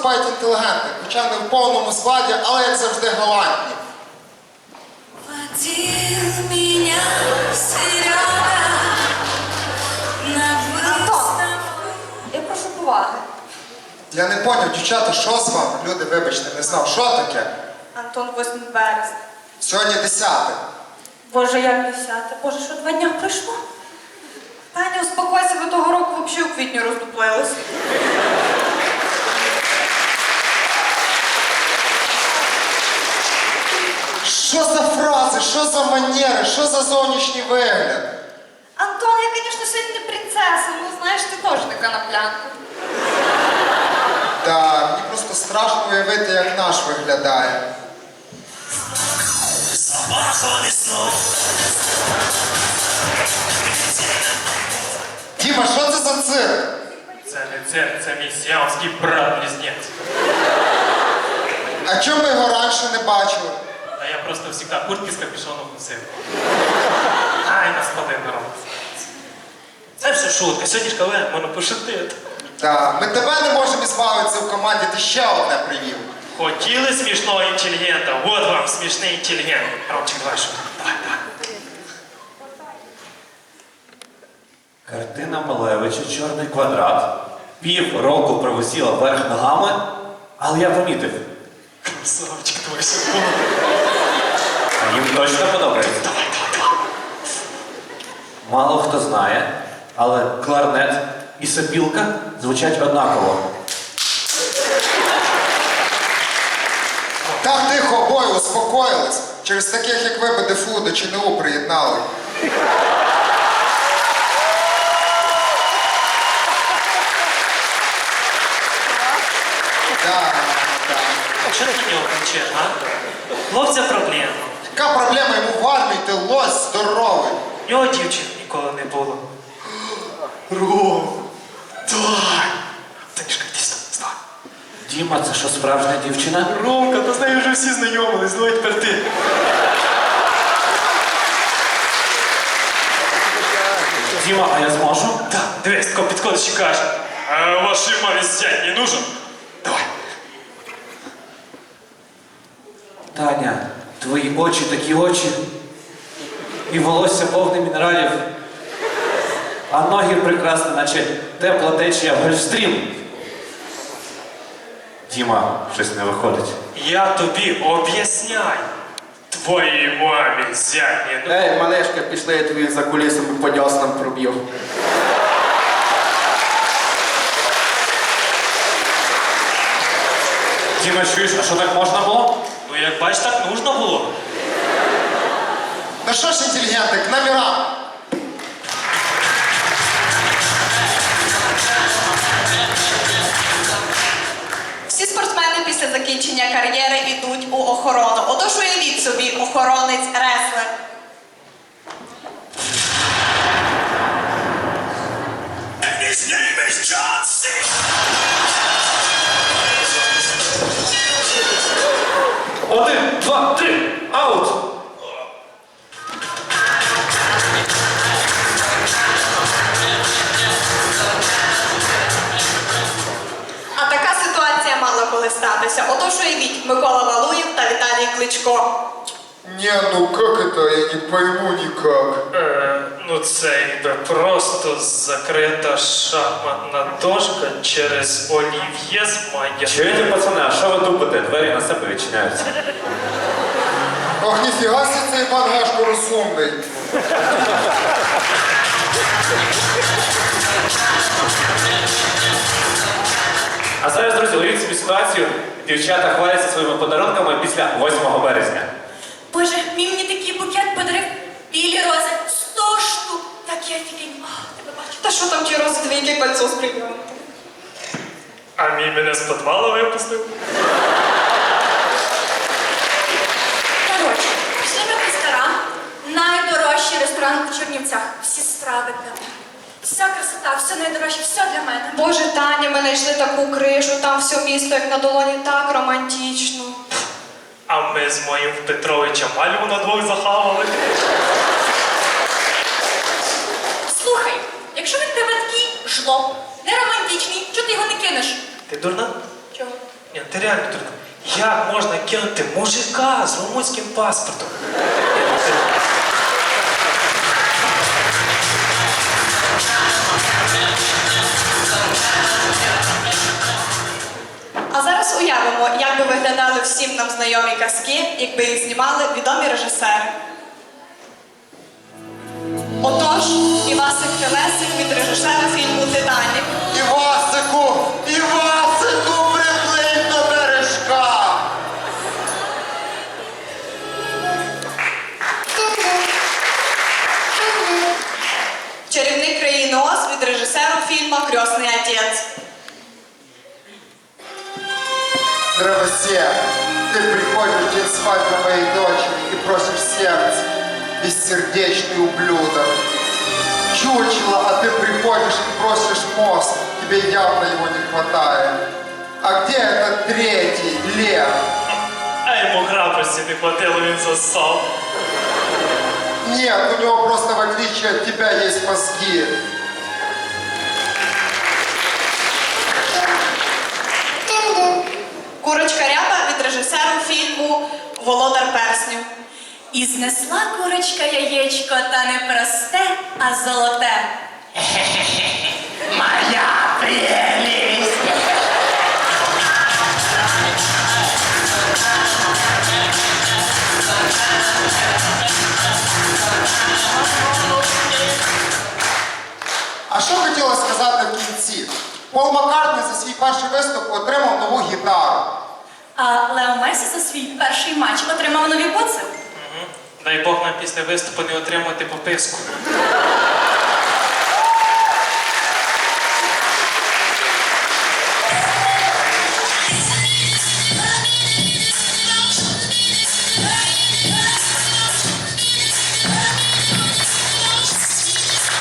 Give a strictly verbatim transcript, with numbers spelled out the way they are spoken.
виступають інтелігентні, хоча не в повному складі, але як завжди галантні. Антон, я прошу поваги. Я не поняв, дівчата, що з вами? Люди, вибачте, не знав, що таке? Антон, восьме березня. Сьогодні десяте. Боже, як десяте? Боже, що два дня пройшло? Таня, успокойся, ви того року взагалі у квітні роздуплились. Що за фрази, що за манери, що за зовнішній вигляд? Антон, я, звісно, сьогодні не принцеса, ну знаєш, ти теж така на плянку. Так, мені просто страшно уявити, як наш виглядає. Діма, що це за цирк? Це не цирк, це мій сіамський брат-близнець. А чому ми його раніше не бачили? А я просто завжди куртки з капюшоном носив. Ай, нас спалив народ. Це все шутка, сьогодні ж коли можна пошутити. Так, ми тебе не можемо збавитися в команді, ти ще одне привів. Хотіли смішного інтелігента, от вам смішний інтелігент. Ромчик, давай шутку. Давай, давай. Картина Малевича «Чорний квадрат». Пів року провисіла вверх ногами, але я помітив. Красавчик, твій секунд. А їм точно подобається. Давай, давай, давай. Мало хто знає, але кларнет і сопілка звучать однаково. Так, тихо, обоє, успокоїлись. Через таких, як ви, би ДФУ до ЧНУ приєднали. Так, так. Що таке нього кончеш, а? Хлопця проблема. Яка проблема йому в армії, ти лось здоровий. У нього дівчин ніколи не було. Ром, давай. Танюшка, йди сюди, вставай. Діма, це що, справжня дівчина? Ромка, та з нею вже всі знайомились, давай тепер ти. Діма, а я зможу? Так, дивись, тако підходиш і каже, а вашій мамі зять не нужен? Давай. Таня, твої очі такі очі. І волосся повне мінералів. А ноги прекрасні, наче тепла течія в гольфстрім. Діма, щось не виходить. Я тобі об'ясняю. Твоїй мамі зять не нужен. Ей, малешка, пішли, я тобі за кулісами по дьоснам проб'ю. Діма, чуєш, а що так можна було? Ну як бачиш, так нужно було. Ну що ж, інтелігенти, к номерам. Всі спортсмени після закінчення кар'єри йдуть у охорону. Отож уявіть собі, охоронець реслер. His name is John C. Один, два, три, аут! А така ситуація мала коли статися. Отож уявіть, Микола Валуєв та Віталій Кличко. Не, ну как это, я не пойму никак. Е, ну це якби просто закрита шахматна дошка через олів'є з майя. Чуєте, пацани, а що ви тупите? Двері на себе відчиняються. Ох, ніфіга себе цей Іван Гашко розумний. А зараз, друзі, уявіть собі ситуацію. Дівчата хваляться своїми подарунками після восьмого березня. Боже, мій мені такий букет подарив білі рози. Сто штук. Такі офігенні. А, тебе бачу. Та що там ті рози, двійки кольцо з прийомом? А мій мене з підвалу випустив. Коротше, пішли ми в ресторан. Найдорожчий ресторан у Чернівцях. Всі страви для мене. Вся красота, все найдорожче, все для мене. Боже, Таня, ми знайшли таку кришу, там все місто як на долоні, так романтично. А ми з моїм Петровичем Альву на двох захавали. Слухай, якщо він тебе такий жлоб, не романтичний, чого ти його не кинеш? Ти дурна? Чого? Ні, ти реально дурна. Як можна кинути мужика з румунським паспортом? Ні, ну, ти- А зараз уявимо, як би виглядали всім нам знайомі казки, якби їх знімали відомі режисери. Отож, Івасик Телесик від режисера фільму «Титанік». Івасику, Івасику, приплинь до бережка. Чарівник країни Оз від режисера фільму «Крестний отець». Дровосек, ты приходишь в день свадьбы моей дочери и просишь сердце, бессердечный ублюдок. Чучело, а ты приходишь и просишь мост, тебе явно его не хватает. А где этот третий, Лев? А йому храбрості не хватило, він засав. Нет, у него просто в отличие от тебя есть мозги. Курочка Ряба від режисера фільму «Володар персню». І знесла курочка яєчко, та не просте, а золоте. Моя прелість! А що хотіла сказати в кінці? Пол Маккартні за свій перший виступ отримав нову гітару. А Лео Месі за свій перший матч отримав нові буци. Дай Бог нам після виступу не отримати пописку.